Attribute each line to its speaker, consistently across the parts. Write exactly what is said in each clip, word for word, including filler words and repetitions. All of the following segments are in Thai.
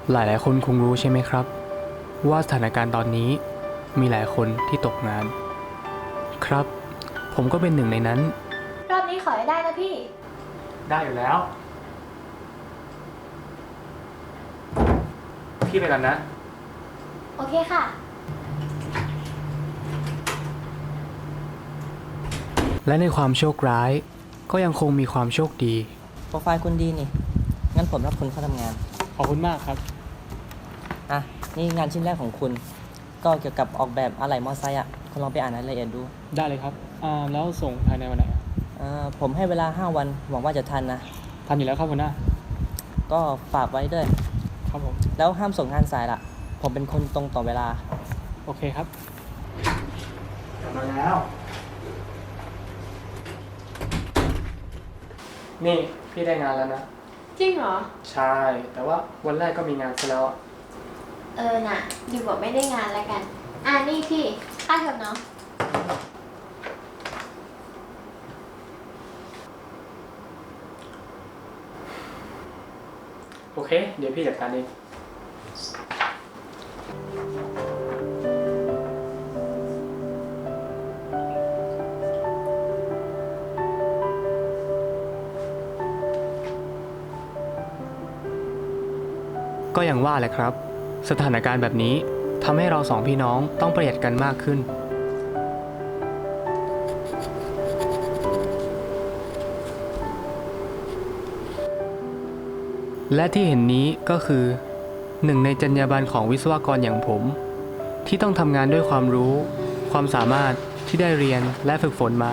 Speaker 1: หลายๆคนคงรู้ใช่ไหมครับว่าสถานการณ์ตอนนี้มีหลายคนที่ตกงานครับผมก็เป็นหนึ่งในนั้น
Speaker 2: รอบนี้ขอให้ได้นะพี่
Speaker 1: ได้อยู่แล้วพี่ไปกันนะ
Speaker 2: โอเคค่ะ
Speaker 1: และในความโชคร้ายก็ยังคงมีความโชคดี
Speaker 3: โปรไฟล์คุณดีนี่งั้นผมรับคุณเข้าทำงาน
Speaker 1: ขอบคุณมากครับ
Speaker 3: อ่ะนี่งานชิ้นแรกของคุณก็เกี่ยวกับออกแบบอะไหล่มอเตอร์ไซค์อ่ะคุณลองไปอ่านรายละเอียดดู
Speaker 1: ได้เลยครับอ่าแล้วส่งภายในวันไหน
Speaker 3: อ่าผมให้เวลาห้าวันหวังว่าจะทันนะ
Speaker 1: ทันอยู่แล้วครับหัวหน้า
Speaker 3: ก็ฝากไว้ด้วย
Speaker 1: ครับผม
Speaker 3: แล้วห้ามส่งงานสายล่ะผมเป็นคนตรงต่อเวลา
Speaker 1: โอเคครับกลับมาแล้วนี่พี่ได้งานแล้วนะ
Speaker 2: จริงเหรอ
Speaker 1: ใช่แต่ว่าวันแรกก็มีงานซะแล้ว
Speaker 2: เออน่ะดีกว่าไม่ได้งานแล้วกันอ่านี่พี่ค่าเทอมเนาะ
Speaker 1: โอเคเดี๋ยวพี่จัดการเองก็อย่างว่าแหละครับสถานการณ์แบบนี้ทำให้เราสองพี่น้องต้องประหยัดกันมากขึ้นและที่เห็นนี้ก็คือหนึ่งในจรรยาบรรณของวิศวกรอย่างผมที่ต้องทำงานด้วยความรู้ความสามารถที่ได้เรียนและฝึกฝนมา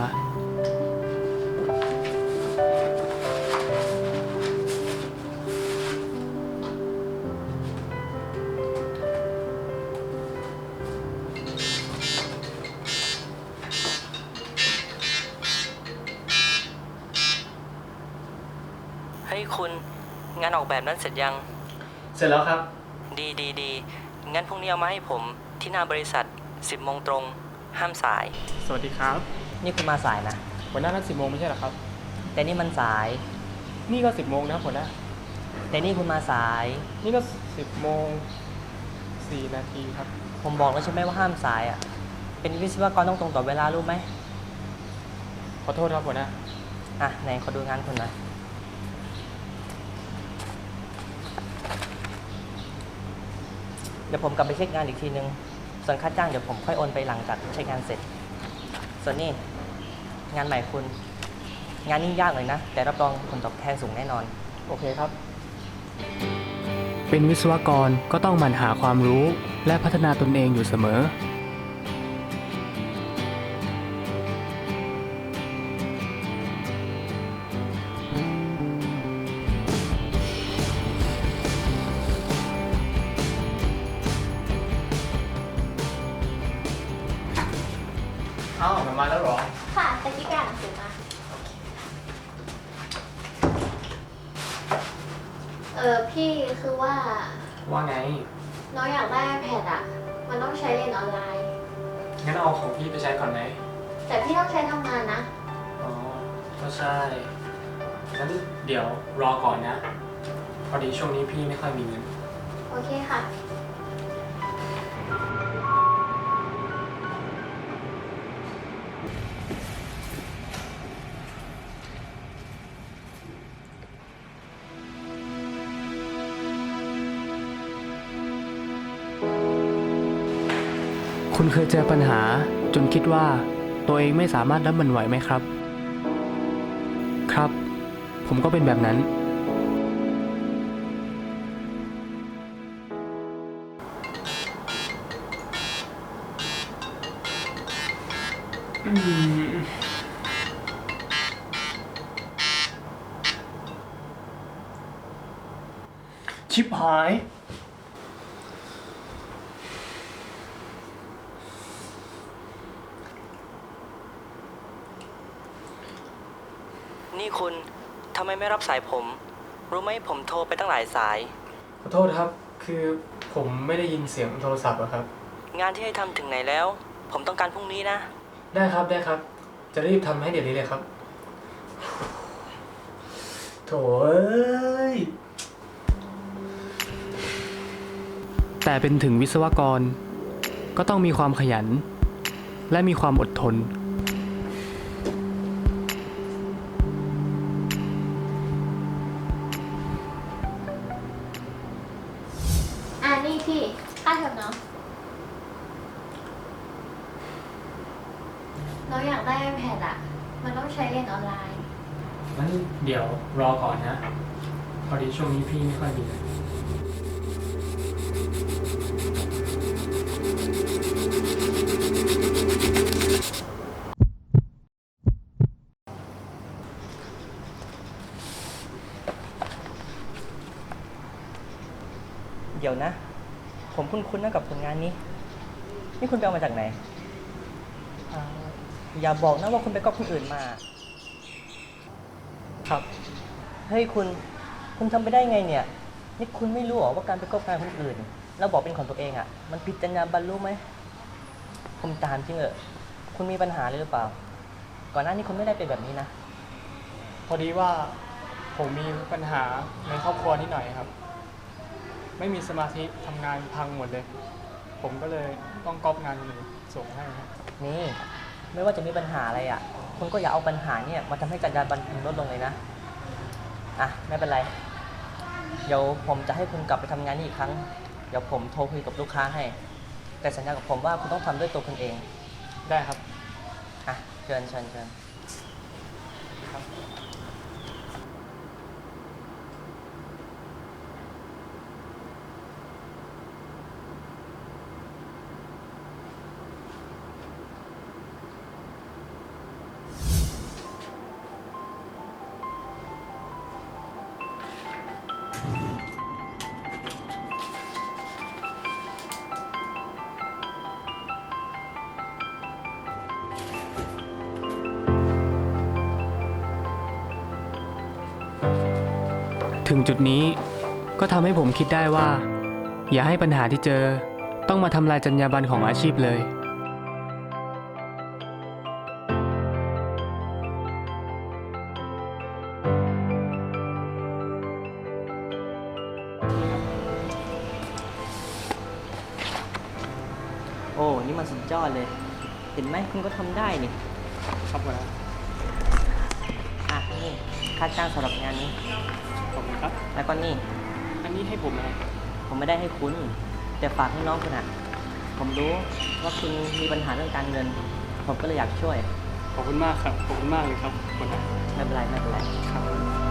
Speaker 3: เฮ้ยคุณงานออกแบบนั้นเสร็จยัง
Speaker 1: เสร็จแล้วครับ
Speaker 3: ดีดีดีงั้นพรุ่งนี้เอามาให้ผมที่หน้าบริษัทสิบโมงตรงห้ามสาย
Speaker 1: สวัสดีครับ
Speaker 3: นี่คุณมาสายนะ
Speaker 1: หัวหน้านัดสิบโมงไม่ใช่หรอครับ
Speaker 3: แต่นี่มันสาย
Speaker 1: นี่ก็สิบโมงนะหัวหน้า
Speaker 3: แต่นี่คุณมาสาย
Speaker 1: นี่ก็สิบโมงสี่นาทีครับ
Speaker 3: ผมบอกแล้วใช่ไหมว่าห้ามสายอ่ะเป็นวิศวกรต้องตรงต่อเวลารู้ไหม
Speaker 1: ขอโทษครับหัวหน้า
Speaker 3: อ่ะไหนขอดูงานคุณหน่อยเดี๋ยวผมกลับไปเช็คงานอีกทีนึงส่วนค่าจ้างเดี๋ยวผมค่อยโอนไปหลังจากเช็คงานเสร็จส่วนนี้งานใหม่คุณงานนี้ยากเลยนะแต่รับรองผลตอบแทนสูงแน่นอน
Speaker 1: โอเคครับเป็นวิศวกรก็ต้องหมั่นหาความรู้และพัฒนาตนเองอยู่เสมออ้าวมาแล้วหรอ
Speaker 2: ค่ะตะกี้การหนังสือมาเออพี่คือว่า
Speaker 1: ว่าไง
Speaker 2: น้องอยากได้ iPad อ่ะมันต้องใช้เรียนออนไลน์
Speaker 1: งั้นเอาของพี่ไปใช้ก่อนไหม
Speaker 2: แต่พี่ต้องใช้ทำงานนะ
Speaker 1: อ๋อก็ใช่งั้นเดี๋ยวรอก่อนนะพอดีช่วงนี้พี่ไม่ค่อยมีเงิน
Speaker 2: โอเคค่ะ
Speaker 1: คุณเคยเจอปัญหาจนคิดว่าตัวเองไม่สามารถรับมันไหวไหมครับครับผมก็เป็นแบบนั้นชิบหาย
Speaker 3: นี่คุณทำไมไม่รับสายผมรู้ไหมผมโทรไปตั้งหลายสาย
Speaker 1: ขอโทษครับคือผมไม่ได้ยินเสียงโทรศัพท์อะครับ
Speaker 3: งานที่ให้ทำถึงไหนแล้วผมต้องการพรุ่งนี้นะ
Speaker 1: ได้ครับได้ครับจะรีบทำให้เดี๋ยวนี้เลยครับโถ่เอ้ยแต่เป็นถึงวิศวกรก็ต้องมีความขยัน และมีความอดทน
Speaker 2: อ่านี่พี่ค่าเทอมน้องน้องอยากได้ iPad อ่ะ มันต้องใช้เรียนออนไลน์
Speaker 1: งั้นเดี๋ยวรอก่อนนะ พอดีช่วงนี้พี่ไม่ค่อยมี
Speaker 3: เดี๋ยวนะ ผมคุ้นๆนะกับผลงานนี้ นี่คุณไปเอามาจากไหนอ่าอย่าบอกนะว่าคุณไปก๊อปคนอื่นมา
Speaker 1: ครับ
Speaker 3: เฮ้ยคุณ คุณทำไปได้ไงเนี่ย นี่คุณไม่รู้เหรอว่าการไปก๊อปงานคนอื่น แล้วบอกเป็นของตัวเองอะ่ะ มันผิดจรรยาบรรณรู้ไหม ผมถามจริงเหรอคุณมีปัญหาเลยหรือเปล่า ก่อนหน้านี้คุณไม่ได้เป็นแบบนี้นะ
Speaker 1: พอดีว่าผมมีปัญหาในครอบครัวนิดหน่อยครับ ไม่มีสมาธิทำงานพังหมดเลย ผมก็เลยต้องก๊อปงานคนอื่นส่งให้ครับ
Speaker 3: นี่ ไม่ว่าจะมีปัญหาอะไรอะ่ะ คุณก็อย่าเอาปัญหาเนี่ยมาทำให้จรรยาบรรณคุณลดลงเลยนะ อ่ะ ไม่เป็นไร เดี๋ยวผมจะให้คุณกลับไปทำงานนี่อีกครั้ง เดี๋ยวผมโทรคุยกับลูกค้าให้ แต่สัญญากับผมว่าคุณต้องทำด้วยตัวคุณเอง
Speaker 1: ได้ครับ
Speaker 3: อ่ะ เชิญเชิญเชิญ
Speaker 1: ถึงจุดนี้ก็ทำให้ผมคิดได้ว่า อย่าให้ปัญหาที่เจอต้องมาทำลายจรรยาบรรณของอาชีพเลย
Speaker 3: โอ้ นี่มันสุดยอดเลย เห็นไหมคุณก็ทำได้นี่
Speaker 1: ครับผม
Speaker 3: อ่ะ นี่ ค่าจ้างสำหรับงานนี้
Speaker 1: ขอบคุณครับ
Speaker 3: แล้วก็นี่
Speaker 1: อันนี้ให้ผมไหม
Speaker 3: ผมไม่ได้ให้คุณ แต่ฝากให้น้องคุณอ่ะ ผมรู้ว่าคุณมีปัญหาเรื่องการเงิน ผมก็เลยอยากช่วย
Speaker 1: ขอบคุณมากครับ ขอบคุณมากเลยครับคนนะ
Speaker 3: ไม่เป็นไร ไม่เป็นไร
Speaker 1: ครับ